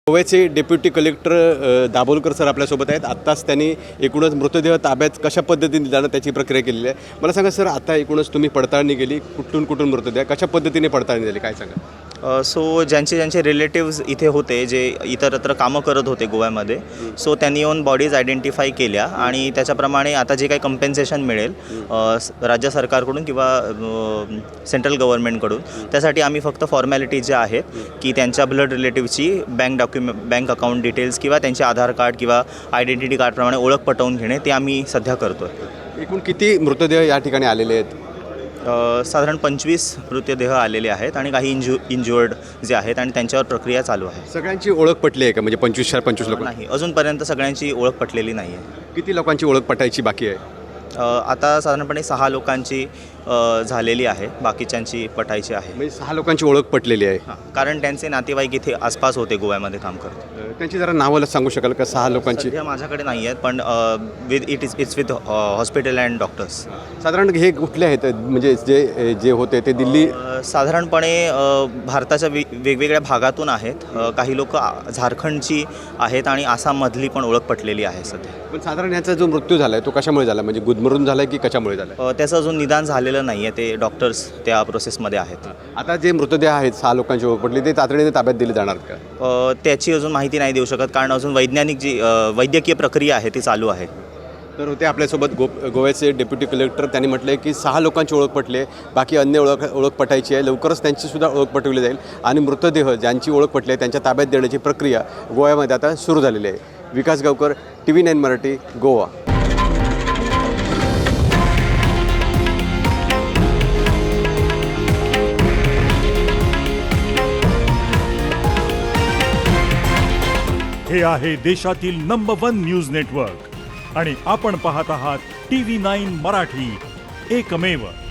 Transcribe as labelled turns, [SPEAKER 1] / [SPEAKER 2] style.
[SPEAKER 1] गोव्याचे deputy collector Dabholkar sir आपल्यासोबत आहेत. आत्ताच त्यांनी एकूणच मृतदेह ताब्यात कशा पद्धतीने जाणं त्याची प्रक्रिया केलेली आहे. मला सांगा सर, आता एकूणच तुम्ही पडताळणी केली, कुठून मृतदेह कशा पद्धतीने पडताळणी झाली काय सांगा?
[SPEAKER 2] सो ज्यांचे रिलेटिव्स इथे होते, जे इतरत्र कामं करत होते गोव्यामध्ये, सो त्यांनी येऊन बॉडीज आयडेंटिफाय केल्या आणि त्याच्याप्रमाणे आता जे काही कंपेन्सेशन मिळेल राज्य सरकारकडून किंवा सेंट्रल गव्हर्नमेंटकडून, त्यासाठी आम्ही फक्त फॉर्मॅलिटी ज्या आहेत की त्यांच्या ब्लड रिलेटिव्हची बँक अकाउंट डिटेल्स किंवा त्यांचे आधार कार्ड किंवा आयडेंटिटी कार्डप्रमाणे ओळख पटवून घेणे ते आम्ही सध्या करतो आहे.
[SPEAKER 1] एकूण किती मृतदेह या ठिकाणी आलेले आहेत?
[SPEAKER 2] साधारण 25 मृतदेह आलेले आहेत आणि काही इंज्युअर्ड जे आहेत आणि त्यांच्यावर प्रक्रिया चालू आहे.
[SPEAKER 1] सगळ्यांची ओळख पटली आहे का? म्हणजे 25 लोक
[SPEAKER 2] नाही, अजूनपर्यंत सगळ्यांची ओळख पटलेली नाही आहे.
[SPEAKER 1] किती लोकांची ओळख पटायची बाकी आहे?
[SPEAKER 2] आता साधारणपणे 6 लोकांची झालेली आहे, बाकीच्यांची पटायची आहे.
[SPEAKER 1] म्हणजे 6 लोकांची ओळख पटलेली आहे.
[SPEAKER 2] कारण त्यांचे नातेवाईक इथे आसपास होते, गोव्यामध्ये काम करत.
[SPEAKER 1] त्यांची जरा नावं सांगू शकाल का? 6 लोकांची
[SPEAKER 2] सध्या माझ्याकडे नाही आहेत, पण it's with hospital and doctors.
[SPEAKER 1] साधारण हे कुठले आहेत? म्हणजे जे होते ते दिल्ली
[SPEAKER 2] साधारणपणे भारताच्या वेगवेगळ्या भागातून आहेत. काही लोक झारखंडची आहेत आणि आसाममधली पण ओळख पटलेली आहे सध्या.
[SPEAKER 1] पण साधारण याचा जो मृत्यू झाला आहे तो कशामुळे झाला? म्हणजे गुदमरून झाला आहे की कशामुळे झाला आहे?
[SPEAKER 2] त्याचं अजून निदान झालेलं नाही आहे, ते डॉक्टर्स त्या प्रोसेसमध्ये आहेत.
[SPEAKER 1] आता जे मृतदेह आहेत 6 लोकांची ओळख पडली ते तातडीने ताब्यात दिले जाणार का?
[SPEAKER 2] त्याची अजून माहिती नाही देऊ शकत, कारण अजून वैद्यकीय प्रक्रिया आहे ती चालू आहे.
[SPEAKER 1] तर होते आपल्यासोबत गोव्याचे डेप्युटी कलेक्टर. त्यांनी म्हटलं आहे की 6 लोकांची ओळख पटली आहे, बाकी अन्य ओळख पटायची आहे. लवकरच त्यांचीसुद्धा ओळख पटवली जाईल आणि मृतदेह ज्यांची ओळख पटली आहे त्यांच्या ताब्यात देण्याची प्रक्रिया गोव्यामध्ये आता सुरू झालेली आहे. विकास गावकर, TV9 मराठी, गोवा.
[SPEAKER 3] हे आहे देशातील नंबर 1 न्यूज नेटवर्क आणि आपण पाहत आहात TV9 मराठी, एकमेव.